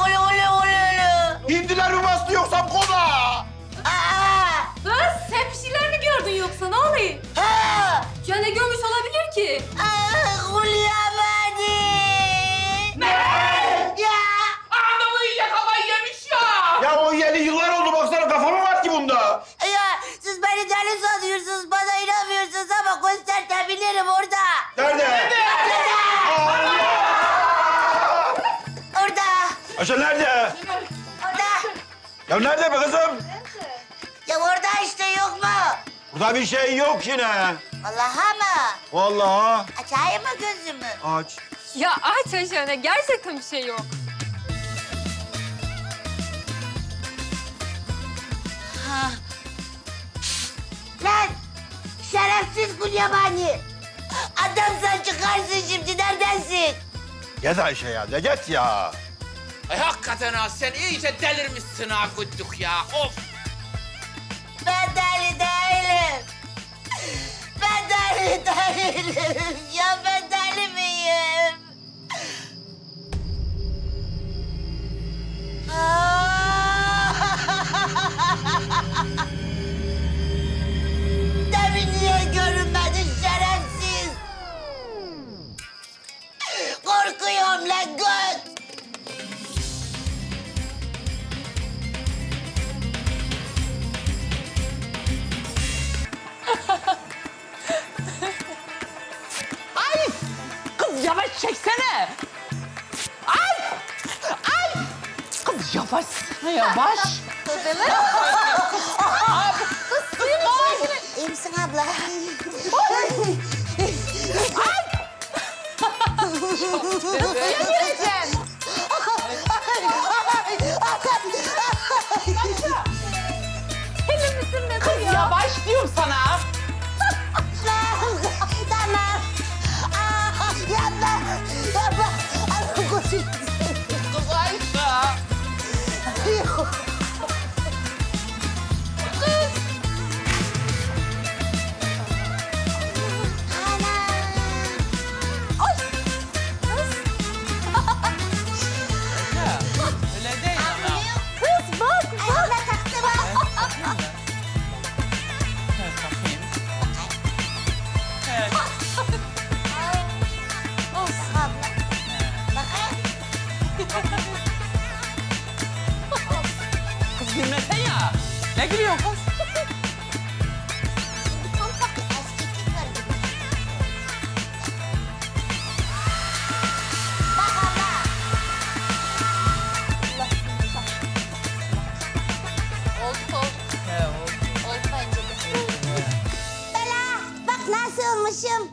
Hindiler mi bastı yoksa kola? Kız sen bir şeyler mi gördün yoksa ne oluyor? Ya ne görmüş olabilir ki? Anamı iyice kafayı yemiş ya. Ya o yeni yıllar oldu baksana kafa mı var ki bunda? Ya siz beni deli sanıyorsunuz, bana inanmıyorsunuz ama göstertebilirim orada. Nerede? Orada, Ayşe nerede? orada. Ya nerede be kızım? Ya orada işte yok mu? Burada bir şey yok yine. Vallahi mı? Vallahi. Açayım mı gözümü? Aç. Ya aç Ayşe gerçekten bir şey yok. Lan şerefsiz Gulyabani. Adamsan çıkarsın şimdi, neredensin? Git Ayşe ya, de git ya. Ay hakikaten ha sen iyice delirmişsin ha Güddük ya. Of. Ben deli değilim. Ben deli değilim. Ya ben deli miyim? Demin niye görünmedin şerefsiz? Korkuyorum lan göt. Ay! Kız yavaş çeksene. Ay! Ay! Kız yavaş, yavaş. İyi misin abla? Kız yavaş diyorum sana. Tamam. Yapma. Yapma. Allah koşun. Kız Ayşe. Öyle değil ana. Kız bak. Ayağına taktı bak. Evet, bakayım. Evet. Abla. Kız gülmesen ya. Ne gülüyorsun kız? Tam tak bir eskiklik var gibi. Bak abla. Oldu. He oldu. Oldu bence de. Bela, bak nasıl olmuşum.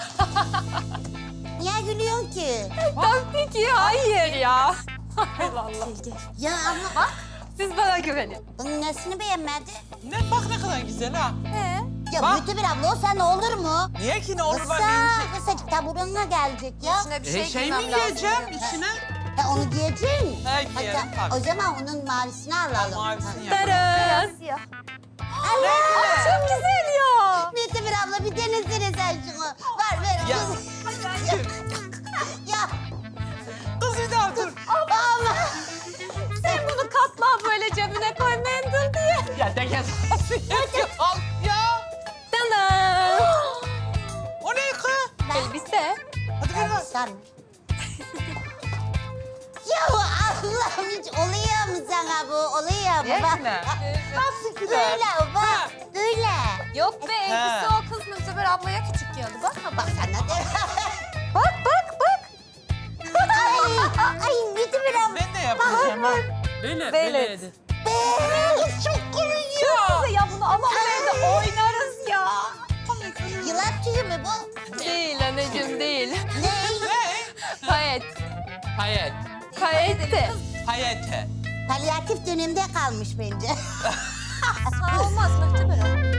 Niye gülüyorsun ki? Tabii ki hayır ya. Allah Allah. Ya ama Siz bana güvenin. bunun nesini beğenmedi? Ne bak ne kadar güzel ha. Ya Bak. Mütebir abla o sen olur mu? Niye ki ne olur Kısa, ben benim kısacık taburunla gelecek ya. şey mi giyeceğim içine? Ha, onu giyeceksin. He, giyerim tabii. O zaman onun mavisini alalım. Mavisini Ha. yap. Tarız. Allah! Çok güzel ya. Mütebir abla bir denesene sen şunu. Ver ver. Ya. Ya Kız bir daha dur. ama. Sen bunu katla böyle cebine koy mendil diye. Ya de gel. Al ya. Tamam. O ne kız? Elbise. Hadi ver bak. Sen. Ya Allah'ım hiç oluyor mu sana bu? Oluyor mu? Bak. Gerçekten. Nasıl güzel? Böyle bak. Böyle. Yok be elbise o kız Mücver ablaya küçük geldi. Bak Bak sana de. bak bak bak. Ay Mütebir abla. Ben de yapacağım ha. Böyle, Böyle. Kız çok koyuyor. Ya bunu alalım evde oynarız ya. Yılan tüyü mü bu? Değil anneciğim değil. Ne? Payet. Hayat. Payette. Hayate. Palyatif dönemde kalmış bence. Sağ olmaz Mücver abla.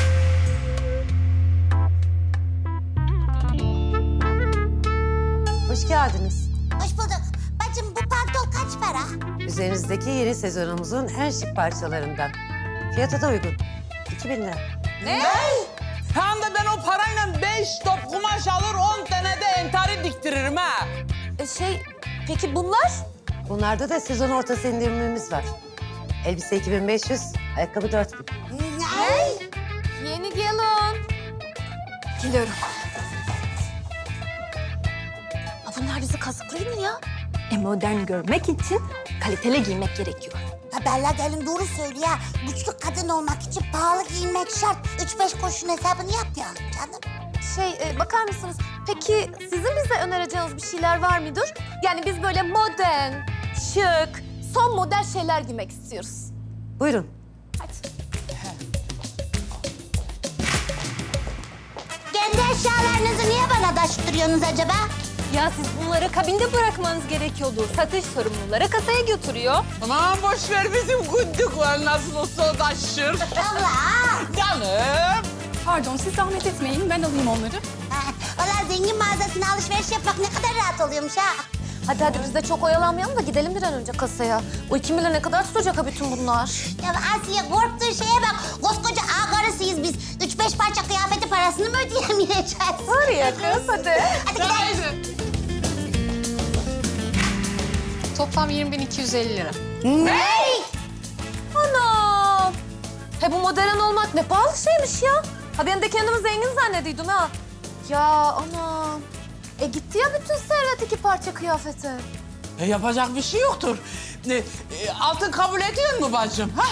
Hoş geldiniz. Hoş bulduk. Bacım bu pantol kaç para? Üzerinizdeki yeni sezonumuzun en şık parçalarından. Fiyatı da uygun. 2000 lira. Tam da ben o parayla 5 top kumaş alır 10 tane de entari diktiririm ha. Peki bunlar? Bunlarda da sezon ortası indirimimiz var. Elbise 2500, ayakkabı 4000. Ne? Yeni gelin. Geliyorum. Ha, bunlar bizi kazıklıyor mu ya? Modern görmek için kaliteli giymek gerekiyor. Ha Bella gelin doğru söylüyor ya. Güçlü kadın olmak için pahalı giyinmek şart. 3-5 kuruşun hesabını yap ya canım. Bakar mısınız? Peki sizin bize önereceğiniz bir şeyler var mıdır? Yani biz böyle modern, şık, son model şeyler giymek istiyoruz. Buyurun. Kendi eşyalarınızı niye bana taşıtırıyorsunuz acaba? Ya siz bunları kabinde bırakmanız gerekiyordu. Satış sorumluları kasaya götürüyor. Aman boş ver bizim gündükler nasıl olsa taşır. Allah! Canım. Pardon, siz zahmet etmeyin. Ben alayım onları. Valla zengin mağazasına alışveriş yapmak ne kadar rahat oluyormuş ha. Hadi biz de çok oyalanmayalım da gidelim bir an önce kasaya. O 2 milyon ne kadar tutacak ha bütün bunlar? Ya Asiye korktuğun şeye bak. Koskoca ağa karısıyız biz. 3-5 parça kıyafeti parasını mı ödeyemeyeceğiz? Var ya kız hadi. Hadi gidelim. Toplam 20.250 lira. Ne? Anam. He bu modern olmak ne pahalı şeymiş ya. Ha ben de kendimi zengin zannediyordum ha. Ya anam. Gitti ya bütün servet 2 parça kıyafeti. Yapacak bir şey yoktur. Altın kabul ediyor mu bacım? Ha?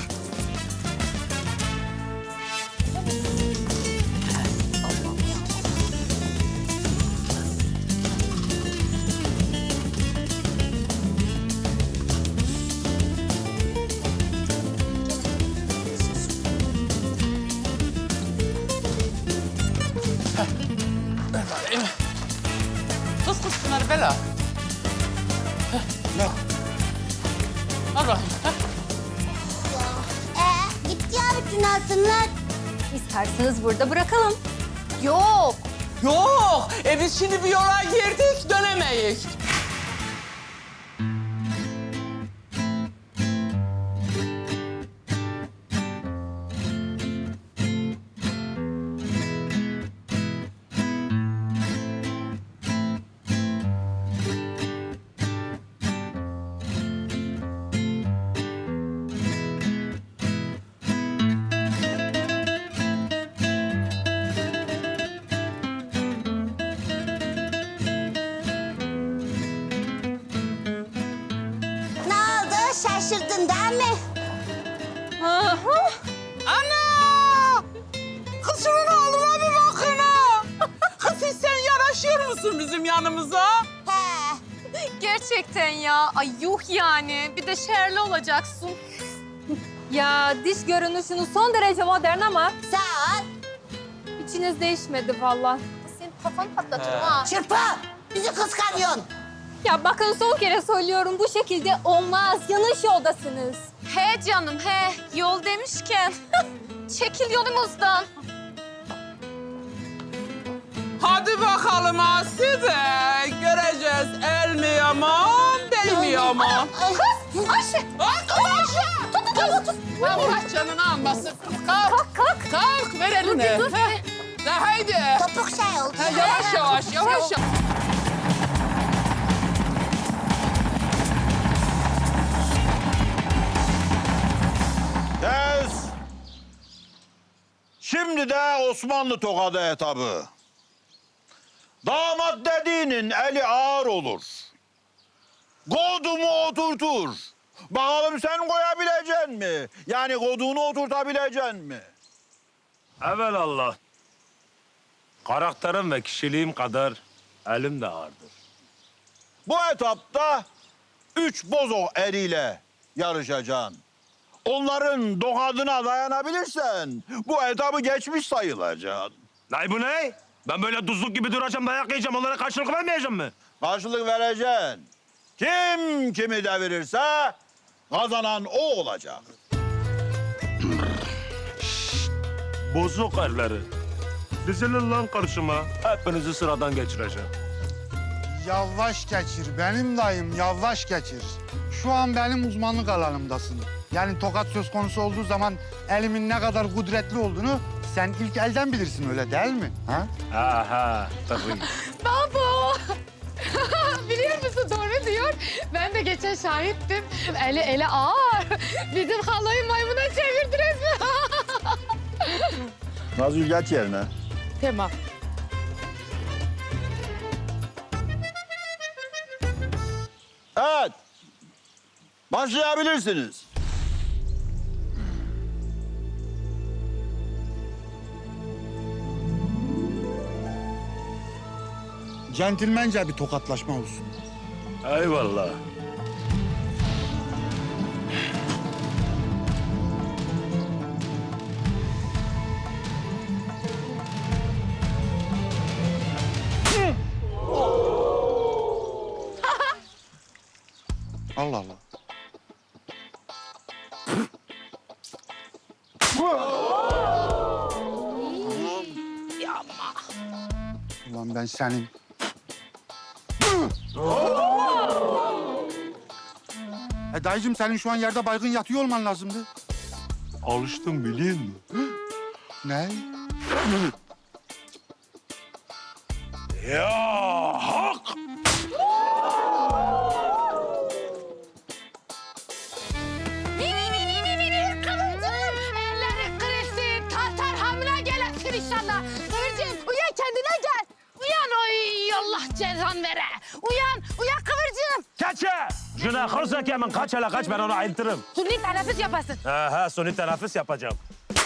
Kız şunları Bela. Ne? Al bakayım. Gitti ya bütün altınlar. İsterseniz burada bırakalım. Yok. Yok. Biz şimdi bir yola girdik, dönemeyiz. Ne oldu? Şaşırdın değil mi? Ana! Kız şunun haline bir bakın ha. Kız siz sen yaraşıyor musun bizim yanımıza? He. Gerçekten ya. Ay yuh yani. Bir de şerli olacaksın. Ya diş görünüşünüz son derece modern ama Sağ ol. içiniz değişmedi vallahi. Senin kafanı patlatırım ha. Çırpı. Bizi kıskanıyorsun. Ya bakın son kere söylüyorum bu şekilde olmaz. Yanlış yoldasınız. He canım he. Yol demişken çekil yolumuzdan. Hadi bakalım Aside. Göreceğiz el mi yaman, deli mi yaman. Kız. Ayşe. Ay kız Ayşe. Tut. Allah canını almasın. Kalk. Kalk ver elini. Dur. Heh. De haydi. Topuk şey oldu. Ha, yavaş yavaş. Yavaş. Kes. Şimdi de Osmanlı tokadı etabı. Damat dediğinin eli ağır olur. Kodumu oturtur. Bakalım sen koyabilecek mi? Yani kodunu oturtabilecek mi? Evelallah. Karakterim ve kişiliğim kadar elim de ağırdır. Bu etapta 3 bozok eriyle yarışacaksın. Onların dokadına dayanabilirsen bu etabı geçmiş sayılacaksın. Ney bu ne? Ben böyle duzluk gibi duracağım, dayak yiyeceğim. Onlara karşılık vermeyeceğim mi? Karşılık vereceksin. Kim kimi devirirse kazanan o olacak. Bozuk erleri. Dizilin lan karşıma. Hepinizi sıradan geçireceğim. Yavaş geçir benim dayım, yavaş geçir. Şu an benim uzmanlık alanımdasın. Yani tokat söz konusu olduğu zaman elimin ne kadar kudretli olduğunu sen ilk elden bilirsin öyle değil mi? Ha? Aha, tabii. Babo! Biliyor musun babası doğru diyor. Ben de geçen şahittim. Eli ağır. Bizim halayı maymuna çevirdi resmen. Nazgül geç yerine. Tamam. Evet. Başlayabilirsiniz. Centilmence bir tokatlaşma olsun. Eyvallah. Allah Allah. Ulan ben senin. Dayıcığım senin şu an yerde baygın yatıyor olman lazımdı. Alıştım biliyor musun? Ne? Ya hak! Elleri kırılsın, Tatar hamile gelesin inşallah. Kıvırcığım uyan kendine gel. Uyan oy Allah cezan vere. Uyan Kıvırcığım. Kaçı! Cüneyt Kırsak hemen kaç hele kaç ben onu ayıltırım. Suni teneffüs yapasın. Ha suni teneffüs yapacağım.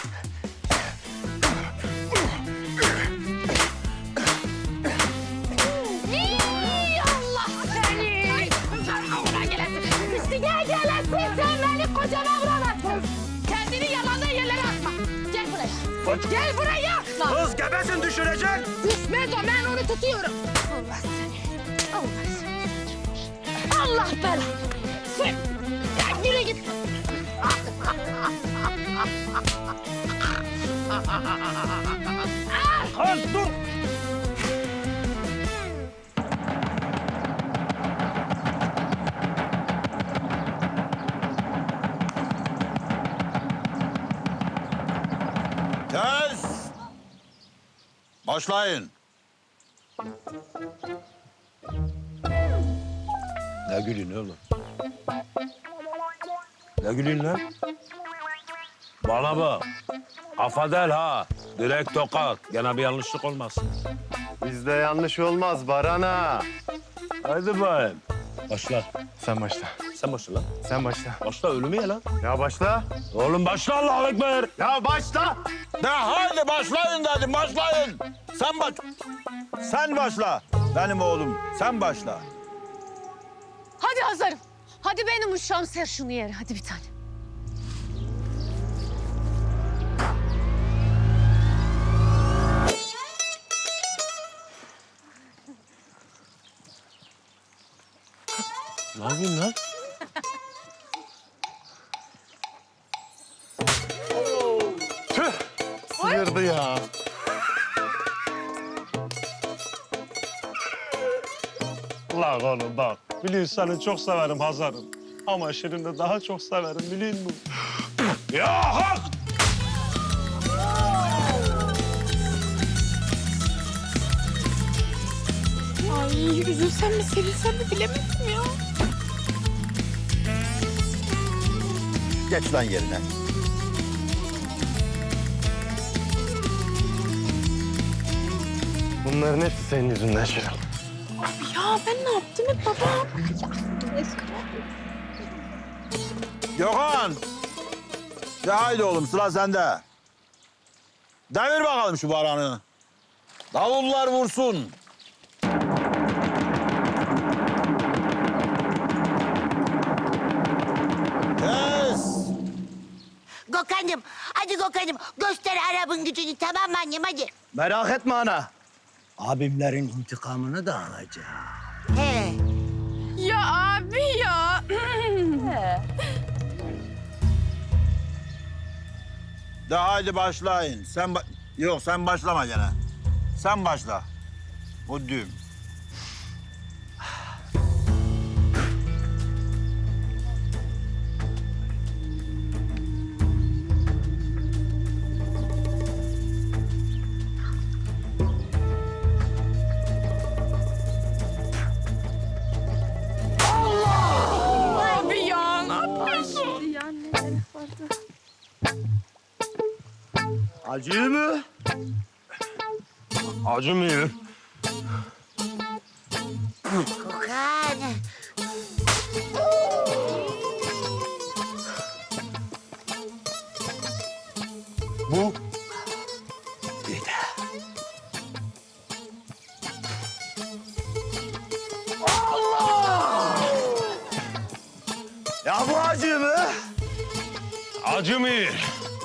Allah seni. Sen hamile gelesin. Üstüne gelesin sen beni kocama vuramazsın. Kendini yalandan yerlere atma. Gel buraya. Gel buraya. Kız gebesin düşürecek. Düşmez o, ben onu tutuyorum. Allah seni. Allah seni. Allah belanı. Sen. Ya yürü git. Kız dur. Kes. Başlayın. Ne gülüyorsun oğlum? Ne gülüyorsun lan? Bana bak. Kafa değil ha. Direkt tokat. Gene bir yanlışlık olmasın. Bizde yanlış olmaz Barana. Haydi bayım. Başla. Sen başla. Sen başla lan. Sen başla. Başla ölümü ye lan. Ya başla. Oğlum başla Allahu Ekber. Ya başla. De haydi başlayın dedim, başlayın. Sen başla. Benim oğlum, sen başla. Hadi hazırım. Hadi benim uşağım ser şunu yere. Hadi bir tane. Ne yapıyorsun lan? Sıyırdı ya. Lan oğlum bak. Biliyorsun seni çok severim Hazar'ım. Ama Şirin'i daha çok severim biliyor musun? Ya hak! Ay üzülsem mi sevinsem mi bilemedim ya. Geç lan yerine. Bunların hepsi senin yüzünden Şirin. Ya ben ne yaptım hep babam? Gökhan. De haydi oğlum, sıra sende. Devir bakalım şu baranı. Davullar vursun. Kes. Gökhan'ım, hadi Gökhan'ım göster Arap'ın gücünü, tamam mı annem, hadi. Merak etme ana. Abimlerin intikamını da alacağım. He. Ya abi ya. De haydi başlayın. Yok sen başlama gene. Sen başla. O düğüm. Acıyor mu? Acımıyor. Gökhan. Bu bir de. Ya bu acıyor mu? Acımıyor.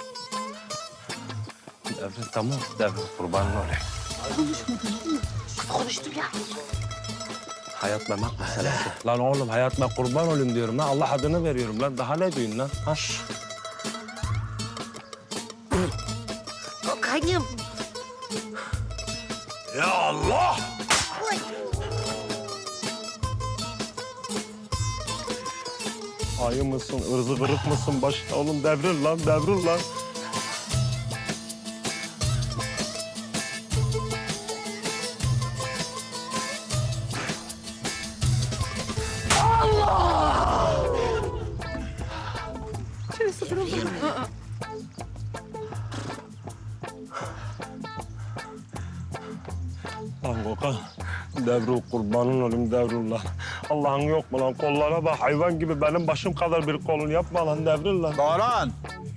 Devrim tamam, devrim kurbanın olayım. Konuştum ya. Hayat memat meselesi. Lan oğlum hayat ben kurban olayım diyorum lan. Allah adını veriyorum lan. Daha ne diyorsun lan? Ha? Gökhan'ım. Ya Allah! Oy. Ayı mısın, ırzı kırık mısın? Başta oğlum devril lan, devril lan. Lan Gökhan, Devrul kurbanın olayım Devrul lan. Allah'ın yok mu lan? Kollara bak hayvan gibi benim başım kadar bir kolun yapma lan Devrul lan. Doğran.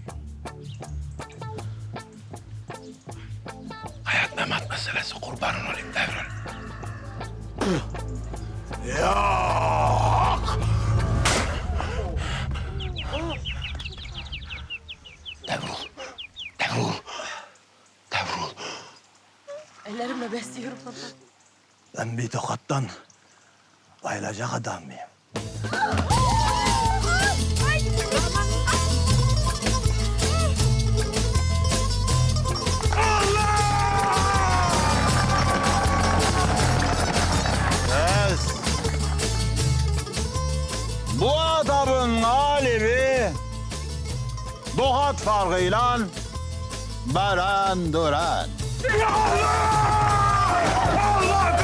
Hayat memat meselesi kurbanın olayım Devrul. Devrul, Devrul, Devrul. Ellerimle besliyorum baba. Ben bir tokattan bayılacak adam mıyım? Kes. Bu adamın galibi Dohat farkıyla Beren Duran. Allah!